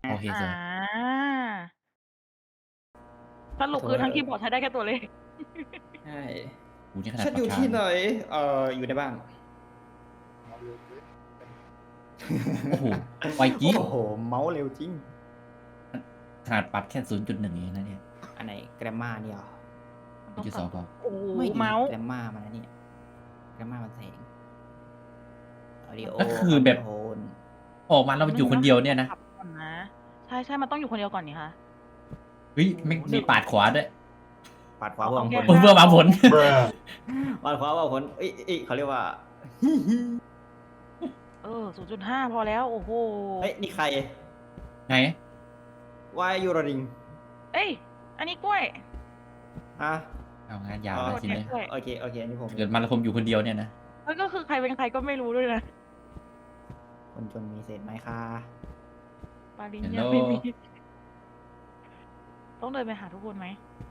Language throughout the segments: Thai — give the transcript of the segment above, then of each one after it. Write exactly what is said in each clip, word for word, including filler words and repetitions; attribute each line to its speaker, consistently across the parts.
Speaker 1: โอเคส
Speaker 2: อ่า
Speaker 1: วย
Speaker 2: สรุปคือทั้งคีย์บอร์ดใช้ได้แค่ตัวเลข
Speaker 3: ใช่
Speaker 1: โอ้โฮนี่ขนาด
Speaker 3: ฉัน
Speaker 1: ปา
Speaker 3: อก ยู่
Speaker 1: กา
Speaker 3: ที่ไหน
Speaker 1: เลย
Speaker 3: เอ่อ อยู่ในบ้าน
Speaker 1: โอ้โฮ ไวจริง
Speaker 3: โอ้โฮ เมาส์เร็วจริง
Speaker 1: ขนาดปรับแค่ ศูนย์จุดหนึ่ง เองนะเนี่ย
Speaker 3: อันไหน Grammar นี่เหรอ
Speaker 1: ศูนย์จุดสอง พอ
Speaker 2: โอ้โฮ
Speaker 3: ไม่ดิ
Speaker 2: เมาส์
Speaker 3: Grammar มันอันนี้ Grammar มันแสง Audio
Speaker 1: ก็คือแบบ
Speaker 3: Control
Speaker 1: ออกมาแล้วมันอยู่คนเดียวเนี่ยนะ
Speaker 2: ปรับก่อนนะ ใช่ ๆ มันต้องอยู่คนเดียวก่อนนี่คะ
Speaker 1: เฮ้ย แม่งมีปาดขวาด้วย
Speaker 3: ปาดขวาเพื่อหวังผล
Speaker 1: เพื่อหวังผล
Speaker 3: ปาดขวาเพื่อหวังผลเอ้ยเอ้ยเขาเรียกว่า
Speaker 2: เออ ศูนย์จุดห้า พอแล้ว โอ้โฮ
Speaker 3: เฮ้ย นี่ใคร
Speaker 1: ไหน?
Speaker 3: Why are you running
Speaker 2: เอ้ย อันนี้กล้วย
Speaker 3: ฮะ
Speaker 1: เอางานยาว
Speaker 3: อ๋อ
Speaker 1: แล้วทีนี้
Speaker 2: กล้วย
Speaker 3: โอเค โอเค อันนี้ผม
Speaker 1: เกิดมาแล้วผมอยู่คนเดียวเนี่ยนะ
Speaker 2: แล้วก็คือใครเป็นใครก็ไม่รู้ด้วยนะ
Speaker 3: คนจนมีเศษไหมคะ
Speaker 2: ปาริญ
Speaker 1: ฮัล
Speaker 2: ญา
Speaker 1: โหล
Speaker 2: ไม่มี ต้องเดินไปหาทุกคนไหม?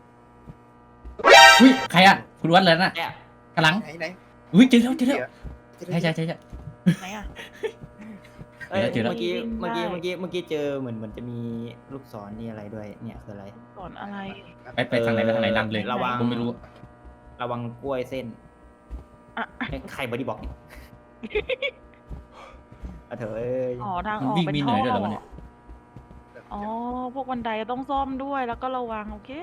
Speaker 1: อุ๊ย ใครอะ คุณวัดเลยน่ะ
Speaker 3: เนี่ย
Speaker 1: ข้างหลัง
Speaker 4: ไหน
Speaker 1: อุ๊ย เจอแล้ว เจอแล้ว
Speaker 4: ๆ
Speaker 1: ใช่ ๆ ๆ ๆ
Speaker 2: ไหนอะ
Speaker 3: เอ้ย
Speaker 1: เจอแล้ว
Speaker 3: เมื่อกี้
Speaker 2: วิ่ง
Speaker 3: เมื่อกี้
Speaker 2: ได้
Speaker 3: เมื่อกี้ เมื่อกี้เจอเหมือนเหมือนจะมีลูกศรนี่อะไรด้วย เนี่ยคืออะไร
Speaker 2: สอนอะไร?
Speaker 1: ไป ไปทางไหน ไปทางไหน นำเลย
Speaker 3: ระวัง
Speaker 1: ผมไม่รู้
Speaker 3: ระวังกล้วยเส้น
Speaker 2: อะ
Speaker 3: เฮ้ยใครบอดี้บล็อกเนี่ย อะเถอะเอ้ย
Speaker 2: อ๋อ ทาง
Speaker 1: มัน
Speaker 2: ออก
Speaker 1: วิ่ง
Speaker 2: เป็น
Speaker 1: มีเห
Speaker 2: ท่
Speaker 1: นื่
Speaker 2: อ
Speaker 1: อยด้วยเหรอ
Speaker 2: เห
Speaker 1: วะ
Speaker 2: ร
Speaker 1: เนี่
Speaker 2: อ?
Speaker 1: ย?
Speaker 2: อ๋อ พวกบันไดต้องซ่อมด้วย แล้วก็ระวัง โอเค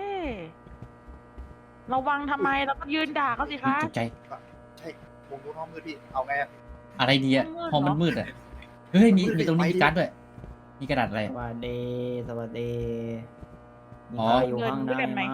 Speaker 2: ระวังทำไม เราก็ยืนด่าเขาสิ
Speaker 1: อุ๊ย
Speaker 2: คะ
Speaker 1: ตกใจ
Speaker 4: ใช่วงนู้นห้องมืดพี่ เอาไงอะ
Speaker 1: อะไรดีอะ
Speaker 2: ห้
Speaker 1: ห้
Speaker 2: อ
Speaker 1: อง ง
Speaker 2: มื
Speaker 1: มั
Speaker 2: ด
Speaker 1: น
Speaker 2: เหรอ?
Speaker 1: มืดอะ เฮ้ย มี
Speaker 4: มืด
Speaker 1: มีตรงนี้
Speaker 4: ไป
Speaker 1: มี
Speaker 4: ดิ
Speaker 1: การ์ดด้วย มีกระดาษอะไร
Speaker 3: ส
Speaker 1: อะ?
Speaker 3: วัสดี สวัสดี มี
Speaker 1: อ๋อ
Speaker 3: ใครอยู่ข้างใน
Speaker 2: เดินด้วยกัน
Speaker 3: ไห
Speaker 2: ไห
Speaker 3: ม
Speaker 2: ม?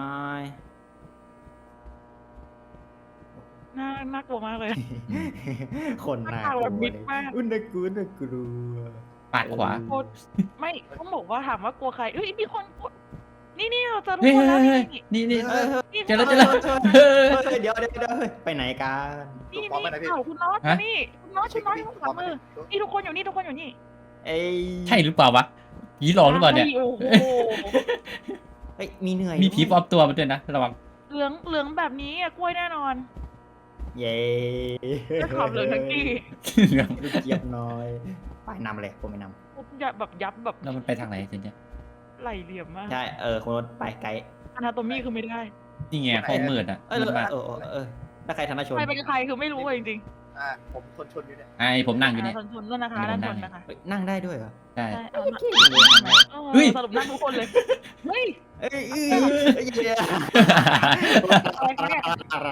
Speaker 2: น่า น่ากลัวมากเลย
Speaker 1: อืม
Speaker 3: คนน่า
Speaker 2: หน้าตาก
Speaker 3: ลั
Speaker 2: แบ
Speaker 3: ว
Speaker 2: บมิด
Speaker 3: เลย
Speaker 2: มาก
Speaker 3: อุ๊ยน่ากลัว น่ากลัว
Speaker 1: ปาดขวา
Speaker 2: โคตร ไม่ ต้องบอกว่าถามว่ากลัวใคร เฮ้ย มีคนกลัว นี่ ๆ เราเจอทุ
Speaker 1: เฮ้
Speaker 2: ก
Speaker 1: ย
Speaker 2: คนแล้ว
Speaker 1: ๆ
Speaker 2: นี่
Speaker 1: ๆ นี่
Speaker 3: เฮ้ย
Speaker 1: ๆ
Speaker 2: นี่
Speaker 1: เจอแล้ว
Speaker 2: ทุ
Speaker 1: เจ
Speaker 2: ก
Speaker 1: อ
Speaker 2: ค
Speaker 1: แล้ว
Speaker 2: น
Speaker 1: เฮ้ย
Speaker 3: เฮ้ย เดี๋ยวเดี๋ยวเดี๋ยวเฮ้ยไปไหนกัน
Speaker 2: นี่
Speaker 4: พร้อมไหมนะพี่
Speaker 2: อ้าวคุณน็อต
Speaker 1: ฮะ
Speaker 2: มานี่ คุณน็อต คุณน็อตอยู่ขวามือ นี่ทุกคนอยู่นี่ ทุกคนอยู่นี่
Speaker 3: เอ้ย
Speaker 1: ใช่หรือเปล่าวะ ผีหลอกหรือเปล่าเนี่ย?
Speaker 2: ใช่ โอ้โฮ
Speaker 3: เฮ้ย มีเหนื่อย
Speaker 1: มีผีปล
Speaker 3: ด้
Speaker 1: อ
Speaker 3: วย
Speaker 1: มตัวมาด้วยนะ ระวัง
Speaker 2: เหลือง เหลืองแบบนี้อะกล้วยแน่นอน
Speaker 3: เย้
Speaker 2: ด้วยความเหลืองทั้งที่
Speaker 1: เหลือง
Speaker 3: ลูกเจี๊ยบน้อย ไปนำเลย ผมไม่น
Speaker 2: ยับแบบยับแบบ
Speaker 1: แล้วมันไปทางไหนทีเนี้ย?
Speaker 2: ไหล่เหลี่ยมมาก
Speaker 3: ำใช่ เออคุณรถไปไกด์
Speaker 2: Anatomy คือไม่ได้
Speaker 1: นี่ไง ห้องมืดอะ
Speaker 3: เออ
Speaker 1: มืดมาก
Speaker 3: เออเออเออแล้วใครธนชน
Speaker 2: ใครเป็นใครคือไม่รู้อะจริง
Speaker 4: อ่า ผมคนชนอยู่เนี่ย
Speaker 1: ไอ้ผมนั่ง
Speaker 2: ๆ
Speaker 1: อยู่เนี่ย
Speaker 2: อ่าชนๆด้วยนะคะ
Speaker 1: นี่
Speaker 2: ด้าน
Speaker 1: ผม
Speaker 2: ช
Speaker 1: นั่ง
Speaker 2: นนะคะ
Speaker 3: เฮ้ยนั่งได้ด้วยเหรอ
Speaker 1: ใช่
Speaker 2: ใช่ เอานะ
Speaker 3: เก่งเลยนะ
Speaker 2: เออ
Speaker 1: เฮ้ย
Speaker 2: สรุปนั่งทุกคนเลย เฮ้ย
Speaker 3: เอ้ยเอ้ยเอ้ยเดี๋ยว
Speaker 2: อะไรคะเนี่ย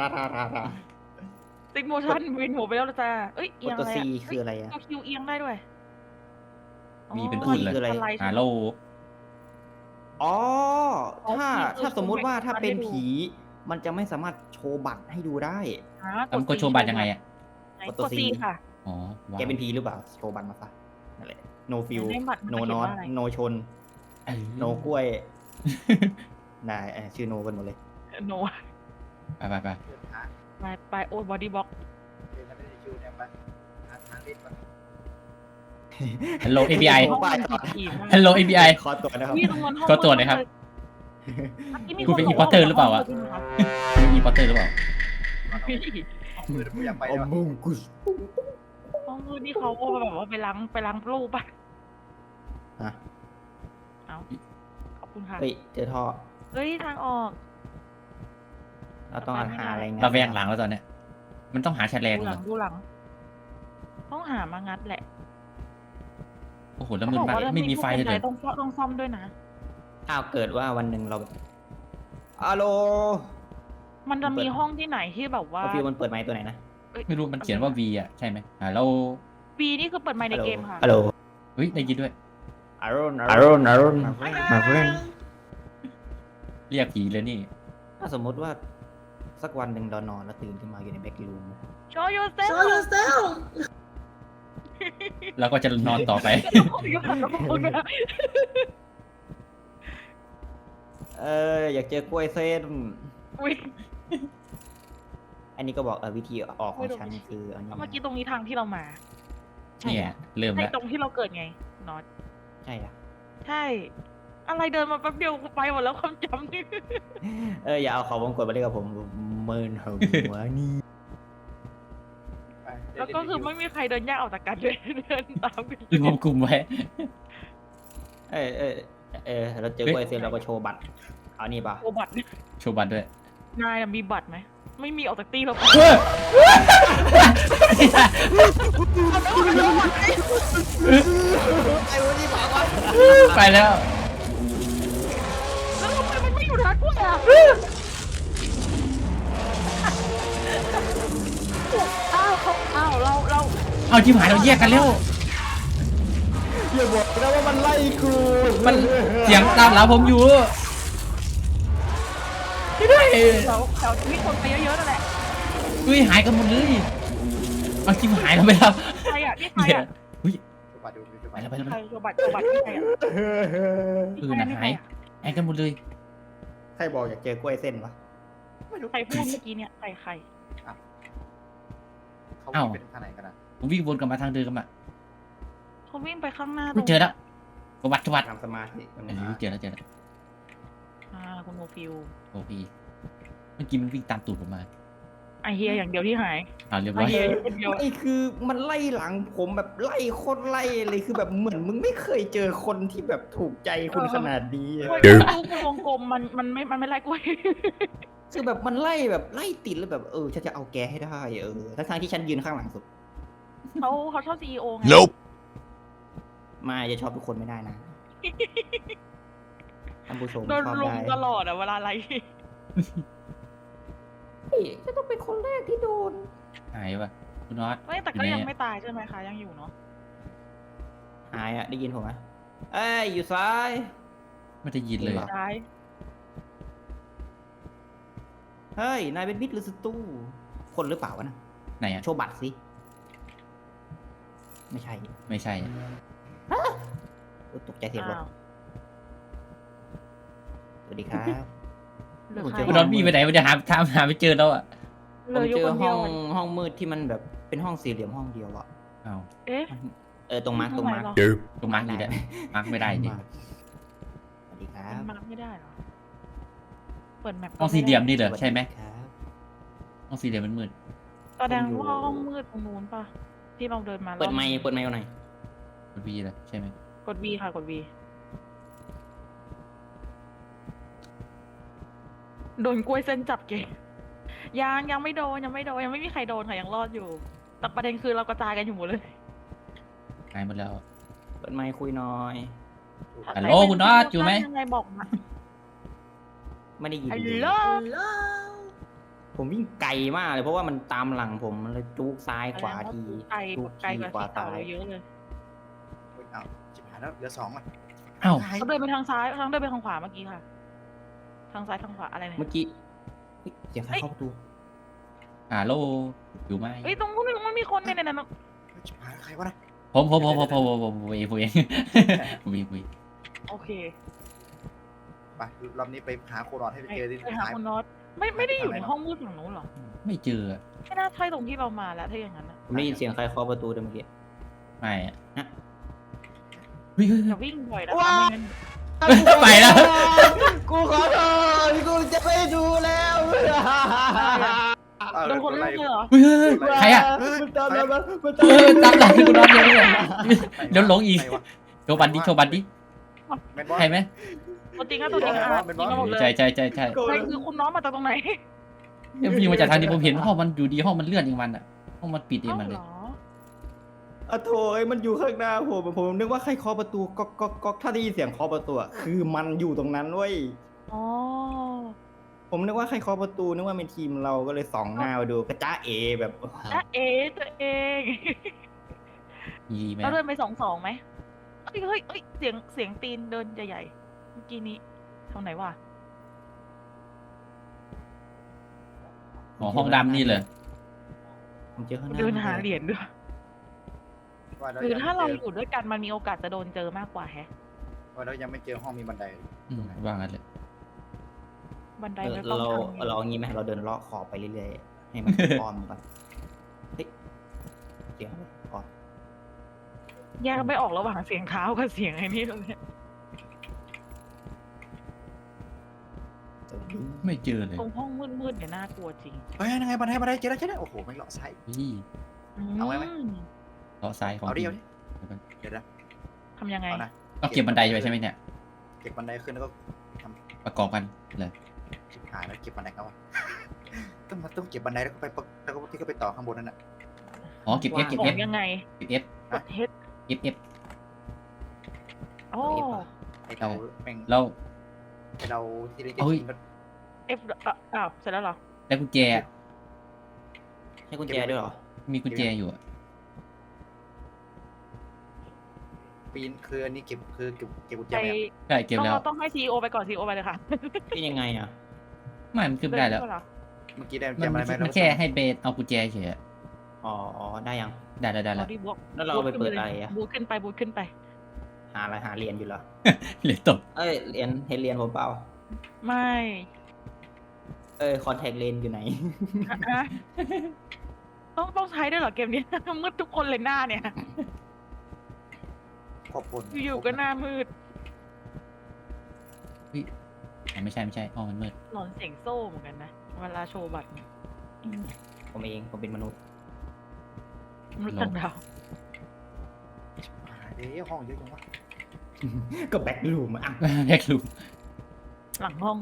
Speaker 2: ติ๊กโมชั่นวินหัวไปแล้วจ้าเอ้ย เอี
Speaker 3: ก
Speaker 2: ย
Speaker 3: ด
Speaker 2: ง
Speaker 3: ตัว
Speaker 2: อะไร
Speaker 3: ซี
Speaker 2: อะ
Speaker 3: คืออะไรอะ
Speaker 2: ตัวคิวเอียงได้ด้วย
Speaker 1: มีเป็นพูดเลย
Speaker 3: คืออะไร
Speaker 2: สลด์
Speaker 1: ฮัลโหล
Speaker 3: อ๋อ
Speaker 2: อ๋อ
Speaker 3: ถ้า
Speaker 2: คือ
Speaker 3: ถ้าสมมุติว่าถ้าเป็น
Speaker 2: ให้ดู
Speaker 3: ผี มันจะไม่สามารถโชว์บัตรให้ดูได้
Speaker 2: อ่า
Speaker 1: แล้วมันกดโชว์บัตรยังไงอะ?
Speaker 2: ไหน
Speaker 3: กด
Speaker 2: ก
Speaker 3: ตัว
Speaker 2: ด
Speaker 3: C
Speaker 2: C ค่ะ
Speaker 1: อ๋อ ว้า
Speaker 3: แก
Speaker 1: ว
Speaker 3: เป็นผีหรือเปล่า โชว์บัตรมาซะนั่นแหละ no feel
Speaker 2: ในบัตรมัน
Speaker 3: no
Speaker 2: เขียน
Speaker 3: not
Speaker 2: ว่าอะไร
Speaker 3: no ชน
Speaker 1: เออ
Speaker 3: no กล้วย ได้เออชื่อ no กันหมดเลย
Speaker 2: โน
Speaker 1: ไป ๆ ๆ
Speaker 4: เดินหา
Speaker 2: ไปไปโอ้บอดี้บล็อก
Speaker 4: เดินกันได้ในคิวเนี่ยไปหาทางเล่นก่อน
Speaker 1: ฮัลโหล เอ พี ไอ
Speaker 3: โอ้ไปก่อน
Speaker 1: ฮัลโหล เอ พี ไอ
Speaker 3: ขอตัวนะครับ
Speaker 2: นี่ตรงนั้นห้อง
Speaker 1: ขอตรวจหน่อยครับ คุณเป็น importer หรือเปล่าวะ? อีพอตเตอร์หรือเปล่า?
Speaker 4: ห้องมืดผมอยากไป
Speaker 3: อ
Speaker 4: แล้ว
Speaker 3: มุงกุส
Speaker 2: ห้องมืดนี่เขาก็แบบว่าไปล้างไปล้างรูปป่ะ
Speaker 3: ฮะ
Speaker 2: เอาขอบคุณค่ะ
Speaker 3: เฮ้ย เจอท่อ
Speaker 2: เฮ้ย ทางออก
Speaker 3: เราต้องหาอะไรงัด
Speaker 1: เราแวงหลังแล้วตอนเนี้ย มันต้องหาแฉลง
Speaker 2: ดูห
Speaker 1: เหร
Speaker 2: ลั
Speaker 1: อ?
Speaker 2: งดูหลัง ต้องหามางัดแหละ
Speaker 1: โอ้โฮ แล้วมืดมาก ไม่มีไฟเลย
Speaker 2: ต้องซ่อมต้องซ่อมด้วยนะ
Speaker 3: อ้าว เกิดว่าวันหนึ่งเราฮัลโหล
Speaker 2: มันจะมีห้องที่ไหนที่แบบว่า
Speaker 3: ฟิวมันเปิดไมค์ตัวไหนนะ
Speaker 1: ไม่รู้มันเขียนว่า V อะใช่ไหม? ฮัลโหล
Speaker 2: V นี่คือเปิดไมค์ในเกมค่ะ
Speaker 3: ฮัลโหล
Speaker 1: เฮ้ย ได้ยินด้วย
Speaker 3: อารอนอารอนอารอน my friend
Speaker 1: เรียกผีเลยนี่
Speaker 3: ถ้าสมมติว่าสักวันหนึ่งเรานอนแล้วตื่นขึ้นมาอยู่ในแบ็กรูม
Speaker 2: Show yourself
Speaker 5: Show yourself
Speaker 1: แล้วก็จะนอนต่อไป
Speaker 3: เอออยากเจอกล้วยเส้น
Speaker 2: อุ๊ย
Speaker 3: อันนี้ก็บอกเออวิธีออกของฉันคืออันนี้
Speaker 2: เมื่อกี้ตรงนี้ทางที่เรามา
Speaker 3: ใช่
Speaker 1: เนี่ย เริ่ม
Speaker 2: ใช่
Speaker 1: แล้ว
Speaker 2: ตรงที่เราเกิดไงน็อต
Speaker 3: ใช่อะ
Speaker 2: ใช่ อะไรเดินมาแป๊บเดียวไปหมดแล้วความจำนี่
Speaker 3: เอออย่าเอาเขาวงกดมาเรียกกับผมเมินหัวนี่
Speaker 4: ไปเดิน
Speaker 2: แล้ว
Speaker 4: เล่น
Speaker 2: ก็
Speaker 4: ใน
Speaker 2: คือ
Speaker 4: คิว
Speaker 2: ไม่มีใครเดินแยกออกจากกันเลยเดินตามกัน
Speaker 1: รวมกลุ่มไว้
Speaker 3: เอเออเออเออเราเจอกล้วยเสร็จเราก็โชว์บัตรเอานี่ป่ะ
Speaker 2: โอบัตร
Speaker 1: โชว์บัตรด้วย
Speaker 2: นายน่ะมีบัตรไหมไม่มีออกจากตีเราไป
Speaker 1: เฮ้ย
Speaker 3: ไอ้วันนี้บอกว่า
Speaker 1: ไปแล้ว
Speaker 2: แล้วทำไมมันไม่อยู่ร้านกล้วยอ่ะอ้าวเขาอ้าวเราเรา
Speaker 1: เอาที่หายเราแยกกันแล้ว
Speaker 4: อย่าบอกนะว่ามันไล่กู
Speaker 1: มันเสียงตามหลังผมอยู่ไม่ได้
Speaker 2: เราเรามีคนไปเยอะๆนั่นแหละ
Speaker 1: อุ้ยหายกันหมดเลยเอาที่หายเราไปแล้ว
Speaker 2: ใครอ่ะนี่ใคร
Speaker 1: เดี๋ยว
Speaker 2: อ่ะ
Speaker 1: อุ้ย
Speaker 4: ดูบัตรดูดู
Speaker 1: ไป
Speaker 4: บัตร
Speaker 1: แล้วไปแล้ว
Speaker 2: ใครโชว์บัตรโชว์บัตรนี่ใครอ่ะ
Speaker 1: เออนะหายหายกันหมดเลย
Speaker 3: ใครบอกอยากเจอกล้วยเส้นวะ
Speaker 4: ไม่รู้
Speaker 2: ใครพูดเมื่อกี้เนี่ยใครใคร
Speaker 4: เขาวิ่งเป็นทางไหนกันนะ
Speaker 1: ผมวิ่งวนกลับมาทางเดิมอะ
Speaker 2: เขาวิ่งไปข้างหน้า
Speaker 1: ไม่เจอแล้วกบัตรกบัตร
Speaker 3: ทำสมาธิมัน
Speaker 1: อันนี้เจอแล้วเจอแล้ว
Speaker 2: อ่าคุณโมฟิล
Speaker 1: โอ้พี่เมื่อกี้มันวิ่งตามตูดผมมา
Speaker 2: ไอเฮียอย่างเดียวที่หาย
Speaker 1: เอาเรียบ
Speaker 2: ไอ
Speaker 1: ร้อย
Speaker 2: เฮียอยู่คนเดียว
Speaker 3: ไอ้คือมันไล่หลังผมแบบไล่โคตรไล่เลยคือแบบเหมือนมึงไม่เคยเจอคนที่แบบถูกใจคุณขนาดนี้อะ
Speaker 2: กล้วยลูกวงกลมมันมันไม่มันไม่ไล่กล้วย
Speaker 3: คือแบบมันไล่แบบไล่ติดแล้วแบบเออฉันจะเอาแกให้ได้เออทั้งๆที่ฉันยืนข้างหลังสุด
Speaker 2: เขาเขาชอบซีอีโอไง
Speaker 5: Nope.
Speaker 3: มาจะชอบทุกคนไม่ได้นะท่านผู้ชม
Speaker 2: โดน
Speaker 3: ชอบ
Speaker 2: ลุม
Speaker 3: ได้
Speaker 2: ตลอดอะเวลาอะไร
Speaker 3: เฮ้ยจะต้องเป็นคนแรกที่โดน
Speaker 1: หายป่ะคุณน็อต
Speaker 2: ไม่แต่ก็ยังไม่ตายใช่ไหมคะยังอยู่เนาะ
Speaker 3: หายอ่ะได้ยินผมไหมเอ้ยอยู่ซ้าย
Speaker 1: ไม่ได้ยินเลย
Speaker 2: ตาย
Speaker 3: เฮ้ยนายเป็นมิตรหรือศัตรูคนหรือเปล่าวะนะ
Speaker 1: ไหนอะ
Speaker 3: โชว์บัตรสิไม่ใช่
Speaker 1: ไม่ใช่
Speaker 3: โอ้ตกใจเสียงรถ
Speaker 2: อ้าว
Speaker 3: สวัสดีครับ
Speaker 2: เหลือ
Speaker 3: ผม
Speaker 2: ใค
Speaker 3: เจ
Speaker 2: ร
Speaker 3: อ
Speaker 1: คุณน็อตพี่ไปไหนมันจะหาทางหาไม่เจอแล้วอะ
Speaker 2: เห
Speaker 3: ผ
Speaker 2: ลื
Speaker 3: ม
Speaker 2: ออยู่
Speaker 3: เจ
Speaker 2: ค
Speaker 3: อน
Speaker 2: เดี
Speaker 3: ห้
Speaker 2: ย
Speaker 3: อ
Speaker 2: ว
Speaker 3: งห้องมืดที่มันแบบเป็นห้องสี่เหลี่ยมห้องเดียวอะ
Speaker 1: เอา
Speaker 2: เอ๊ะ
Speaker 3: เออตรงมาร์กตรงมาร์ก
Speaker 2: ทำไมเหรอ
Speaker 5: Nope.
Speaker 1: ตรงมาร์กนี่แหละมาร์กไม่ได้จริง
Speaker 3: สวัสดีครับ
Speaker 2: มันมาไม่ได้เหรอเปิดแมป
Speaker 1: ห้องสี่เหลี่ยมนี่เหรอใช่ไหม
Speaker 3: ครับ
Speaker 1: ห้องสี่เหลี่ยมมันมืด
Speaker 2: แสดงว่าห้องมืดตรงนู้นป่ะที่เราเดินมา
Speaker 3: เปิดไมค์เปิดไมค์เอาหน่อย
Speaker 1: มันวีเลยใช่ไหม
Speaker 2: กด V ค่ะกด V โดนกล้วยเส้นจับเกยังยังไม่โดนยังไม่โดนยังไม่มีใครโดนค่ะยังรอดอยู่แต่ประเด็นคือเรากระจายกันอยู่หมดเลย
Speaker 1: หายหมดแล้ว
Speaker 3: เปิดไมค์คุยหน่อย
Speaker 1: ฮัลโหลคุณน็อตอยู่ไหม
Speaker 2: ยังไงบอกมา
Speaker 3: ไม่ได้ยิน
Speaker 2: ฮัล
Speaker 3: เลย
Speaker 2: โหล
Speaker 3: ผมวิ่งไกลมากเลยเพราะว่ามันตามหลังผมมันเลยจุกซ้ายขวาที
Speaker 2: ไกล
Speaker 3: จุก
Speaker 2: ไกล
Speaker 3: ที
Speaker 2: กว่า
Speaker 3: ขวา
Speaker 2: ที่เต่า
Speaker 3: ซ้าย
Speaker 2: เราเยอะเลย
Speaker 4: อ้าวจิบหายแล้วเหลือสองอ่ะ
Speaker 1: เอ้า
Speaker 2: เขาเดินไปทางซ้ายทางเดินไปทางขวาเมื่อกี้ค่ะ ทางซ้ายทางขวาอะไรเนี่ย
Speaker 3: เมื่อกี้เฮ้ยเสียงใครเข้าประตู
Speaker 1: ฮัลโหลอยู่ไหม
Speaker 2: เอ้ยตรงนู้นมันมีคนเนี่ยเนี่ยเนี่ย
Speaker 4: จิบหายใครวะนะ
Speaker 1: ผมผมผมผมผมผมผมผมเองผมเองผมเองผมเอง
Speaker 2: โอเค
Speaker 4: ไปรอบนี้ไปหาโครอดให้ไป
Speaker 2: ไป
Speaker 4: เจอที่
Speaker 2: ไปหา
Speaker 4: หาย
Speaker 2: คุณน็อตไม่ไม่ได้อยู่ในห้องมืดฝั่งนู้นหรอ
Speaker 1: ไม่เจอ
Speaker 2: ไม่น่าใช่ตรงที่เรามาแล้วถ้าอย่างนั้นนะ
Speaker 3: ผมได้ยินเสียงใครเคาะประตูด้วยเมื่อกี้
Speaker 1: ไม่อะ
Speaker 3: ฮะ
Speaker 1: เฮ้ยเฮ้ย
Speaker 2: อ
Speaker 1: เฮ้ย
Speaker 2: ย่าวิ่งบ่อยนะคะไม่งั้น
Speaker 1: ไปแล้ว
Speaker 3: กูขอโทษกูจะไม่ดูแล้ว
Speaker 4: เอา
Speaker 2: โดนคน
Speaker 4: ไล่
Speaker 2: เล่นเลยเหรอ
Speaker 1: เฮ้ยเฮ้ยเฮ้ยใครอะ
Speaker 3: มันตามมามัน
Speaker 1: เออตามหลังคุณน็อตเลยเนี่ยเดี๋ยวหลงอีก
Speaker 4: ใครวะ
Speaker 1: โชว์บัตรดิโชว์บัตรดิ
Speaker 4: แมนบอส
Speaker 1: ใช่ไหม
Speaker 2: ตัวจริงอะตัวจริงอะจริงกันหมดเลย
Speaker 1: ใช่ใช่ใช่ใช่
Speaker 2: ใครคือคุณน้องมาจากตรงไหน
Speaker 1: เนี่ยวิ่งมาจากทางที่ผมเห็นห้องมันอยู่ดีห้องมันเลื่อนเองมันอะห้องมันปิดเอง
Speaker 2: เอ้า
Speaker 1: มันเล
Speaker 2: เห
Speaker 1: ย
Speaker 2: รอ
Speaker 3: อะโถยมันอยู่ข้างหน้าผมผมนึกว่าใครเคาะประตูก๊อกก๊อกก๊อกถ้าได้ยินเสียงเคาะประตูอะคือมันอยู่ตรงนั้นเว้ย
Speaker 2: อ๋อ
Speaker 3: ผมนึกว่าใครเคาะประตูนึกว่าเป็นทีมเราก็เลยส่องหน้ามาดูกระจ้าเอแบบ
Speaker 2: จ้าเอ๋ตัวเอง
Speaker 1: มีไหม
Speaker 2: เราเดินไปสองสองไหมเฮ้ยเฮ้ยเฮ้ยเสียงเสียงตีนเดินใหญ่ๆเมื่อกี้นี้ทางไหนวะ
Speaker 1: อ๋อห้องดำนี่เลย
Speaker 3: ผมเจอข้างหน้า
Speaker 2: เดินหาเหรียญด้วย
Speaker 4: ว่าแล้ว
Speaker 2: คือ
Speaker 4: ยัง
Speaker 2: ถ้าเรา
Speaker 4: ไม่
Speaker 2: อยู่ด้วยกันมันมีโอกาสจะโดนเจอมากกว่าแฮะ
Speaker 4: ว่าแล้วยังไม่เจอห้องมีบันได
Speaker 1: อืมว่างั้นเลย
Speaker 2: บันได
Speaker 3: เออ
Speaker 2: ไม่ต้อง
Speaker 3: เรา
Speaker 2: ทาง
Speaker 3: เราเอางี้ไหมเราเดินเลาะขอบไปเรื่อยๆให้มันอ้อมก่อนเฮ้ยเสียงอะไรอ๋อ
Speaker 2: แยกไม่ออกระหว่างเสียงเท้ากับเสียงไอ้นี่เลยเนี่ย
Speaker 3: สวัสดี
Speaker 1: ไม่เจอเลย
Speaker 2: ตรงห้องมืดๆเนี่ยน่ากลัวจริง
Speaker 4: เฮ้ยยังไงบันไดบันไดเจอแล้วเจอแล้วโอ้โหไม่เลาะซ้าย
Speaker 1: นี่
Speaker 4: เอาไว้ไหม
Speaker 2: ม
Speaker 1: เลาะซ้ายของ
Speaker 4: เอาดิ
Speaker 1: จริ
Speaker 4: เอา
Speaker 1: ง
Speaker 4: ดิเดี๋ยวนะ
Speaker 2: ทำยังไง
Speaker 4: เอานะ
Speaker 1: ต้องเก็บบันไดไปใช่ไหมเนี่ย
Speaker 4: เก็บบันไดขึ้นแล้วก็ท
Speaker 1: ประกอบกันเลย
Speaker 4: ำชิบหายแล้วเก็บบันไดเขาอะต้องมาต้องเก็บบันไดแล้วก็ไปปะแล้วก็ที่ก็ไปต่อข้างบนนั่นน่ะ
Speaker 1: อ๋อเก็บ F เก็บ
Speaker 2: ขอ
Speaker 1: F
Speaker 2: งยังไง
Speaker 1: เก็บ F
Speaker 2: กดเฮด
Speaker 1: F F
Speaker 2: โอ้
Speaker 4: ไอเราแม่ง
Speaker 1: แล้ว
Speaker 4: ไอเราที่ได้
Speaker 1: เอ้ย
Speaker 4: กินก็
Speaker 2: เอฟอ้าวเสร็จแล้วเหรอ
Speaker 1: แล้วกุญแจ
Speaker 5: ใช้กุญแจด้วยเหรอ
Speaker 1: มีกุญแจอยู่อะ
Speaker 4: ปีนคืออันนี้เก็บคือเก็บเก็บกุญแจ
Speaker 2: ไป
Speaker 4: ไหมครับ
Speaker 1: ใช่เก็บ
Speaker 2: ต้อง
Speaker 1: แล้ว
Speaker 2: เราต้องให้ซีอีโอไปก่อนซีอีโอไปเลยค่ะ
Speaker 5: เป็นยังไงอ่ะ
Speaker 1: ไม่มันขึ้นไม่ได้แล้ว
Speaker 2: เหรอ
Speaker 4: เมื่อกี้ได้กุญ
Speaker 1: มั
Speaker 4: แจ
Speaker 1: น
Speaker 4: มาไหม
Speaker 1: มันแค่ให้เบสเอากุญแจเฉยอะ
Speaker 5: อ๋ออ๋อได้ยัง
Speaker 1: ได้แล้วได้
Speaker 2: บ
Speaker 1: แล้
Speaker 2: อ
Speaker 1: ว
Speaker 2: ดี้บล็อก
Speaker 5: แล้วเราไปเปิดอะไรอ่ะ
Speaker 2: บูทขึ้นไปบูทขึ้นไป
Speaker 5: หาอะไรหาเรียนอยู่เหรอ
Speaker 1: เหลือตก
Speaker 5: เอ้ยเรียนเห็นเรียนผมเปล่า
Speaker 2: ไม่
Speaker 5: เอ้ยคอนแทคเลนอยู่ไหน
Speaker 2: ฮะต้องต้องใช้ด้วยเหรอเกมนี้ มืดทุกคนเลยหน้าเนี่ย
Speaker 4: ครอบครัว
Speaker 2: อยู่ๆก็หน้ามืด
Speaker 1: อ๋อไม่ใช่ไม่ใช่ห้องมันมืด
Speaker 2: หลอนเสียงโซ่เหมือนกันนะเวลาโชว์บัตรเนี่ย
Speaker 5: ผมเองผมเป็นมนุษย์
Speaker 2: มนุษย์ต่างดาว
Speaker 4: เอ๊ะห้องเยอะจังวะ
Speaker 5: ก็แบ็คลูมอ่ะ
Speaker 1: แยกรูม
Speaker 2: หลังห้อง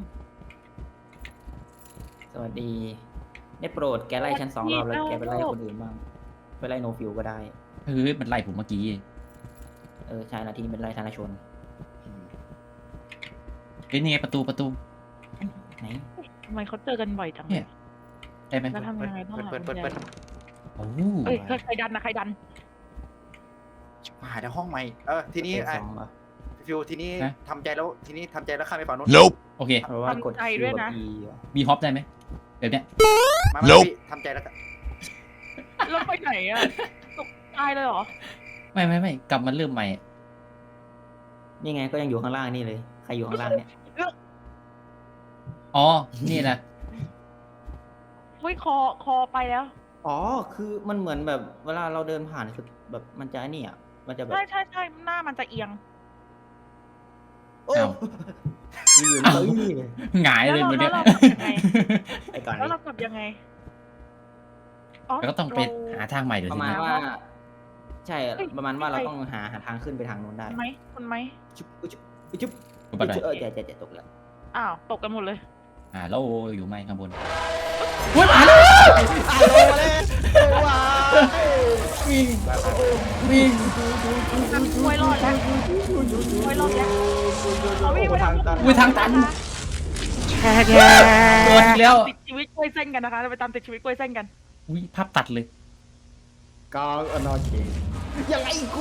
Speaker 5: สวัสดีได้โปรดแกไล่ชั้นสองรอบแล้วแกไปไล่คนอื่นบ้างไปไล่โนฟิวก็ได้
Speaker 1: เฮ้ยมันไล่ผมเมื่อกี้
Speaker 5: เออใช่นะที่นี่เป็นไล่ธนชน
Speaker 4: อืม
Speaker 1: เฮ้ยนี่ไงประตูประตู
Speaker 5: ไหน
Speaker 2: ทำไมเขาเจอกันบ่อยจัง
Speaker 1: เนี่ย ได้ไหม
Speaker 2: แล้วทำยังไงบ้าง
Speaker 4: เปิด
Speaker 2: ล่ะ
Speaker 4: เปิดเปิดเปิด
Speaker 1: โอ้
Speaker 2: เอ้ยใครดันนะใครดัน
Speaker 4: ชิบหายแล้วห้องใหม่เออทีนี้
Speaker 5: เปิด
Speaker 4: อ่ะ
Speaker 5: สองเหรอ
Speaker 4: ฟิวทีนี้ทำใจแล้วทีนี้ทำใจแล้วข้ามไปฝั่งนู้น
Speaker 1: โอเค
Speaker 5: เพราะว่ากด
Speaker 2: ทำใจ
Speaker 5: คิ
Speaker 2: ด้วย
Speaker 5: ว
Speaker 2: นะ
Speaker 5: กับ E เหรอ
Speaker 1: มีฮอปได้ไหมแบบเนี้ย
Speaker 4: มามาพี่ทำใจแล้วก็
Speaker 2: แล้วไปไหนอ่ะตกตายเลยเหรอ
Speaker 1: ไม่ไม่ไม่กลับมาเริ่มใหม่
Speaker 5: นี่ไงก็ยังอยู่ข้างล่างนี่เลยใครอยู่ข้างล่างเนี่ย
Speaker 1: อ๋อนี่นะ
Speaker 2: เฮ้ยคอคอไปแล้ว
Speaker 5: อ๋อคือมันเหมือนแบบเวลาเราเดินผ่านคือแบบมันจะไอ้นี่อ่ะมันจะแบบ
Speaker 2: ใช่ใช่ใช่หน้ามันจะเอียง
Speaker 5: โอ้
Speaker 1: อ้าว
Speaker 5: อยู่ๆมันก็อี้เลย
Speaker 1: หงายเลย
Speaker 2: แล้ว
Speaker 1: วัน
Speaker 2: เรา
Speaker 1: เนี้ย
Speaker 2: แล้วเรากลับยังไง
Speaker 5: ไปก่อน
Speaker 2: แล้ว
Speaker 5: ดิ
Speaker 2: เรากลับยังไง
Speaker 1: แล้วก็ต้องไปหาทางใหม่เดี๋ยว
Speaker 5: ประ
Speaker 1: ที
Speaker 5: มาณ
Speaker 1: นี้
Speaker 5: ว่า ใช่ประมาณว่าเราต้องหาหาทางขึ้นไปทางนู้นได้
Speaker 2: ไหมคุณไหม
Speaker 5: จุ๊บจุ๊บจุ๊บ
Speaker 1: กูบันได
Speaker 5: เออจะจะจะตกแล้ว
Speaker 2: อ้าวตกกันหมดเลย
Speaker 1: อ่าแล้วอยู่ไหมข้างบน
Speaker 5: วิ่ง
Speaker 1: วิ่ง
Speaker 2: ช่วยรอดแล้วช่วยรอดแล้วเขาวิ่งไปทาง
Speaker 1: อุ้ยทางตัน
Speaker 2: แช่แช่
Speaker 1: โดนอีกแล้ว
Speaker 2: ติดชีวิตกล้วยเส้นกันนะคะเราไปตามติดชีวิตกล้วยเส้นกัน
Speaker 1: อุ้ยภาพตัดเลย
Speaker 3: กองอนอเคยังไงกู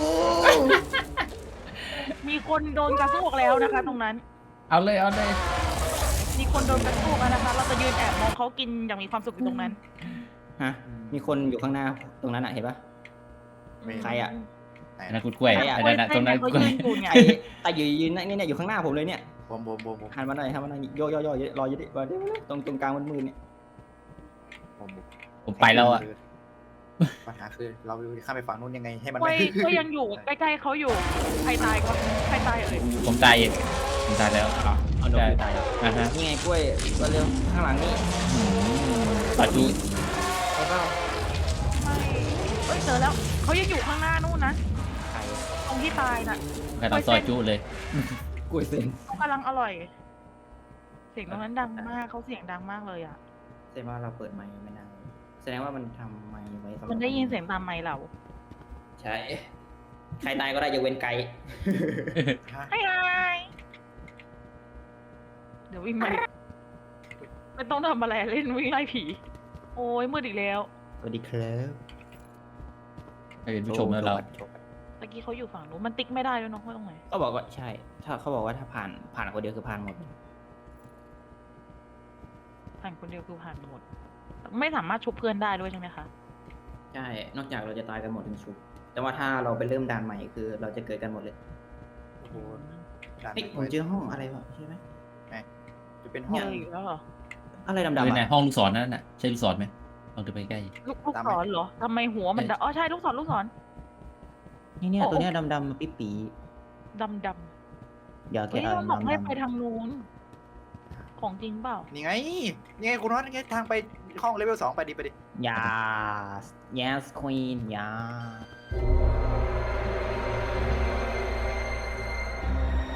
Speaker 2: มีคนโดนกระซวกแล้วนะคะ ตรงนั้น
Speaker 1: เอาเลยเอาเลย
Speaker 2: มีคนโดนกระซวกแล้วนะคะ เราจะยืนแอบมองเขากินอย่างมีความสุขอยู่ตรงนั้น
Speaker 5: ฮะมีคนอยู่ข้างหน้าตรงนั้นอ่ะเห็นปะ
Speaker 4: ไม่
Speaker 5: ใครอ่ะ
Speaker 4: ไหน
Speaker 1: อันนั้
Speaker 4: นะ
Speaker 1: นคุณกล้วย
Speaker 5: ใครอะ
Speaker 1: อันนั้นน่ะตรงนั้น
Speaker 2: เขา
Speaker 1: กล้วย
Speaker 2: ยืนอยู่ไง
Speaker 5: ไอ้ไอ้ยืนยืนนี่เนี่ยอยู่ข้างหน้าผมเลยเนี่ย
Speaker 4: ผมผมผมผม
Speaker 5: หันมาหน่อยหันมาหน่อยโยโยโยรออยู่ดิรอดิตรงตรงกลางมันมือเนี่ย
Speaker 4: ผมผม
Speaker 1: ผมไปแล้วอ่ะ
Speaker 4: ปัญหาคือเราข้ามไปฝั่งนู้นยังไงให้มัน
Speaker 2: กล้วย
Speaker 4: ไม่
Speaker 2: กล้วยยังอยู่ใกล้ๆเขาอยู่ ใครตายก่อนใครตายเอ่ย
Speaker 1: ผมตายเองผมตายแล้ว
Speaker 5: เอาโดนตายแล้ว
Speaker 1: อ่าฮะ
Speaker 5: นี่ไงกล้วยก็เร็วข้างหลังนี่
Speaker 1: ตัดดู
Speaker 5: แล้วก็
Speaker 2: ไม่เอ้ยเจอแล้ว เขายังอยู่ข้างหน้านู่นนะ
Speaker 5: ไข่
Speaker 2: ตรงที่ตายน่ะ
Speaker 1: กระดองซอยจุเลย
Speaker 5: กล้วยเส้น
Speaker 2: เขากำลังอร่อย เสียงตรงนั้นดังมากเขาเสียงดังมากเลยอ่ะ
Speaker 5: แสดงว่าเราเปิดไมค์ไม่นานแสดงว่ามันทำไมค์ไว้สำหรับ
Speaker 2: มันได้ยินเสียงตามไมค์เรา
Speaker 5: ใช่ใครตายก็ได้ยกเว้นไก่
Speaker 4: ฮะ
Speaker 2: ไฮไฮเดี๋ยววิ่งมาดิไม่ต้องทำอะไรเล่นวิ่งไล่ผี โอ้ยมืดอีกแล้ว
Speaker 5: สวัสดีครับ
Speaker 1: ให้เป็นผู้ชมแล้วเรา
Speaker 2: ตะกี้เขาอยู่ฝั่งนู้นมันติ๊กไม่ได้ด้วยเน้องว่าตรงไหน
Speaker 5: ก็บอกว่าใช่ ถ้าเขาบอกว่าถ้าผ่านผ่านคนเดียวคือผ่านหมด
Speaker 2: ผ่านคนเดียวคือผ่านหมด ไม่สามารถชุบเพื่อนได้ด้วยใช่ไหมคะ
Speaker 5: ใช่ นอกจากเราจะตายกันหมดถึงชุบแต่ว่าถ้าเราไปเริ่มด่านใหม่คือเราจะเกิดกันหมดเลย
Speaker 4: โอ้โหด่าน
Speaker 5: เฮ้ยผมเจอห้องอะไรวะใช่ไหม
Speaker 4: จะเป็นห้
Speaker 2: เจ
Speaker 4: อง
Speaker 2: ออีกแล้วเหรอ
Speaker 5: อะไรดำ
Speaker 1: เอ
Speaker 5: ๆ
Speaker 1: อ
Speaker 5: อ่ะ
Speaker 1: ในห้องลูกศรนั่นน่ะใช่ลูกศรไหมลองเดินไปใกล้
Speaker 2: ลูกลูกศรเหรอทำไมหัวมันดำอ๋อใช่ลูกศรลูกศร
Speaker 5: นี่เนี่ย
Speaker 2: โอ้
Speaker 5: ตัวเนี้ยดำๆปิ๊บปี
Speaker 2: ดำด
Speaker 5: เดี๋ยว
Speaker 2: ำ
Speaker 5: แก
Speaker 2: เฮ้ย
Speaker 5: เอา
Speaker 2: มันบอกให้
Speaker 5: ดำ
Speaker 2: ไปทางนู้น ของจริงเปล่า
Speaker 4: นี่ไงนี่ไงคุณน็อตนี่ไงทางไปห้องเลเวลสองไปดิไปดิ
Speaker 5: ๆ yes yes queen yes